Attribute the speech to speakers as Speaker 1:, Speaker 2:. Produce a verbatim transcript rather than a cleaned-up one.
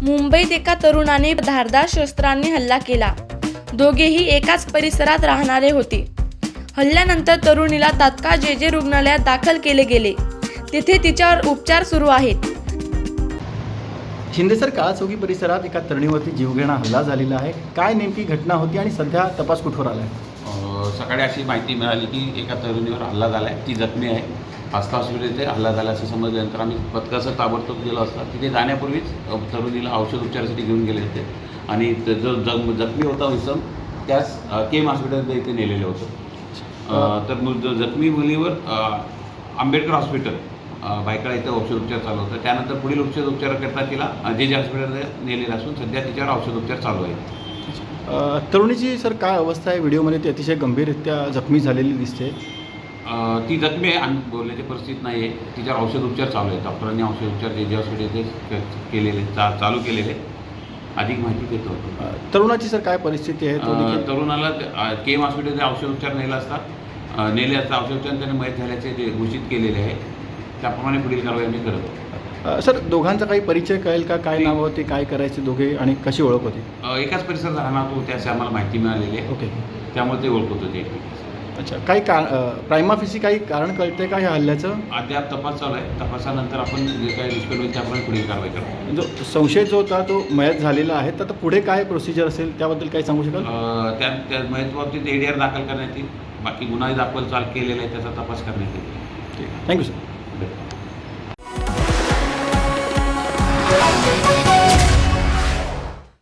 Speaker 1: मुंबईत एका तरुणाने धारदार शस्त्रांनी हल्ला केला। दोघेही एकाच परिसरात राहणारे होते। हल्ल्यानंतर तरुणीला तात्काळ जे जे रुग्णालयात दाखल केले गेले। तिथे तिच्यावर उपचार सुरू आहेत।
Speaker 2: शिंदे सर, काळाचौकी परिसरात एका तरुणीवरती जीवघेणा हल्ला झालेला आहे। काय नेमकी घटना होती आणि सध्या तपास कुठवर आला आहे?
Speaker 3: सकाळी अशी माहिती मिळाली की एका तरुणीवर हल्ला झाला आहे, ती जखमी आहे। आस्था हॉस्पिटलमध्ये हल्ला झाला असं समजल्यानंतर आम्ही पथकासह ताबडतोब गेलो असता तिथे जाण्यापूर्वीच तरुणीला औषध उपचारासाठी घेऊन गेले होते आणि जो जग जखमी होता इसम त्यास केम हॉस्पिटलमध्ये इथे नेलेलं होतं। तर मग जखमी मुलीवर आंबेडकर हॉस्पिटल भायखळा इथं औषध उपचार चालू होतं। त्यानंतर पुढील औषध उपचाराकरता तिला जे जे हॉस्पिटलमध्ये नेलेलं असून सध्या तिच्यावर औषध उपचार चालू आहे।
Speaker 2: तरुणीची सर काय अवस्था आहे? व्हिडिओमध्ये ती अतिशय गंभीररित्या जखमी झालेली दिसते।
Speaker 3: ती जखमी आहे आणि बोलण्याची परिस्थिती नाही आहे। तिच्यावर औषध उपचार चालू आहे। डॉक्टरांनी औषध उपचार जे जे हॉस्पिटल केलेले चा चालू केलेले अधिक माहिती देतो।
Speaker 2: तरुणाची सर काय परिस्थिती आहे?
Speaker 3: तरुणाला केम हॉस्पिटलचे औषध उपचार नेला असता नेले असता औषध उपचार त्याने मयत झाल्याचे जे घोषित केलेले आहे त्याप्रमाणे पुढील कारवाई आम्ही करतो।
Speaker 2: सर, दोघांचा काही परिचय कळेल का? काय नाव होते, काय करायचे दोघे आणि कशी ओळख होती?
Speaker 3: एकाच परिसरात राहणार होतो त्याची आम्हाला माहिती मिळालेली आहे।
Speaker 2: ओके,
Speaker 3: त्यामुळे ते ओळखत होते।
Speaker 2: अच्छा, काही का प्रायमाफिसी काही कारण कळते का ह्या हल्ल्याचं?
Speaker 3: अद्याप तपास चालू आहे। तपासानंतर आपण जे काही निष्पन्न होईल त्याप्रमाणे पुढील कारवाई करतो।
Speaker 2: जो संशय जो होता तो मयत झालेला आहे, तर आता पुढे काय प्रोसिजर असेल त्याबद्दल काही सांगू शकाल?
Speaker 3: त्या त्या मयत बाबतीत ए डी आर दाखल करण्यात येईल। बाकी गुन्हा दाखल चाल केलेला आहे त्याचा तपास करण्यात येईल।
Speaker 2: ठीक आहे, थँक्यू सर.